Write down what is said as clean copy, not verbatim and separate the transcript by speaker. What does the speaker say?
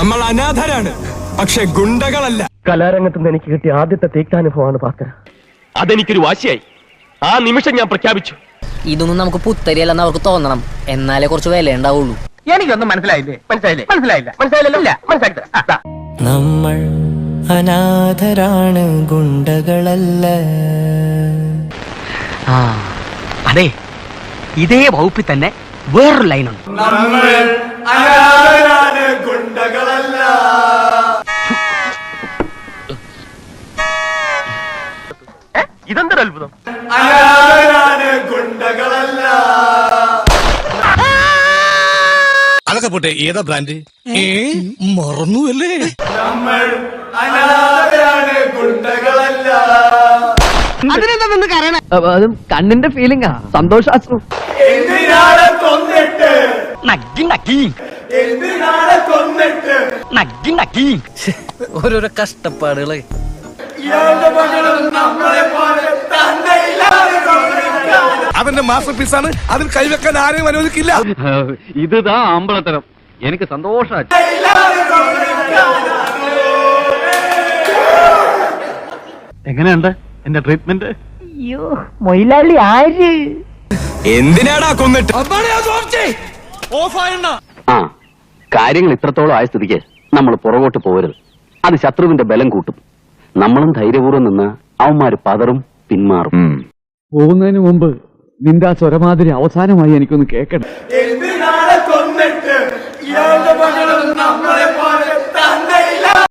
Speaker 1: നമ്മൾ അനാഥരാണ്, പക്ഷെ ഗുണ്ടകളല്ല.
Speaker 2: കലാരംഗത്ത് നിന്ന് എനിക്ക് കിട്ടിയ ആദ്യത്തെ തീക്താനുഭവമാണ് ഭാസ്കര.
Speaker 3: അതെനിക്കൊരു വാശിയായി. ആ നിമിഷം ഞാൻ പ്രഖ്യാപിച്ചു,
Speaker 4: ഇതൊന്നും നമുക്ക് പുത്തരിയല്ലെന്ന് അവർക്ക് തോന്നണം, എന്നാലേ കുറച്ച് വില ഉണ്ടാവുള്ളൂ.
Speaker 2: എനിക്കൊന്നും മനസ്സിലായില്ലല്ലോ.
Speaker 5: നമ്മൾ അനാഥരാണ്, ഗുണ്ടകളല്ല.
Speaker 2: അതെ, ഇതേ വകുപ്പിൽ തന്നെ വേറൊരു ലൈനുണ്ട്.
Speaker 3: ഇതെന്തൊരു അത്ഭുതം.
Speaker 1: അതൊക്കെ പോട്ടെ, ഏതാ ബ്രാൻഡ് മറന്നു അല്ലേ?
Speaker 2: അതും കണ്ണിന്റെ ഫീലിംഗാ, സന്തോഷാശ്രു.
Speaker 4: ഓരോരോ കഷ്ടപ്പാടുകളെ.
Speaker 1: അവന്റെ മാസ്റ്റർ പീസാണ്, അതിൽ കൈവെക്കാൻ ആരെയും അനുവദിക്കില്ല.
Speaker 2: ഇതാ അമ്പലത്തരം. എനിക്ക് സന്തോഷായി.
Speaker 3: എങ്ങനെയുണ്ട് എന്റെ ട്രീറ്റ്മെന്റ്?
Speaker 2: അയ്യോ, മൊയിലാളി ആര്?
Speaker 1: എന്തിനാടാ കൊന്നിട്ട്?
Speaker 6: ആ കാര്യങ്ങൾ ഇത്രത്തോളം ആയ സ്ഥിതിക്ക് നമ്മൾ പുറകോട്ട് പോകരുത്. അത് ശത്രുവിന്റെ ബലം കൂട്ടും. നമ്മളും ധൈര്യപൂർവ്വം നിന്ന് അവന്മാര് പതറും, പിന്മാറും.
Speaker 7: പോകുന്നതിന് മുമ്പ് നിന്റെ ആ സ്വരമാതിരി അവസാനമായി എനിക്കൊന്ന് കേൾക്കണം.
Speaker 1: എന്തിനാണ് കൊന്നിട്ട്?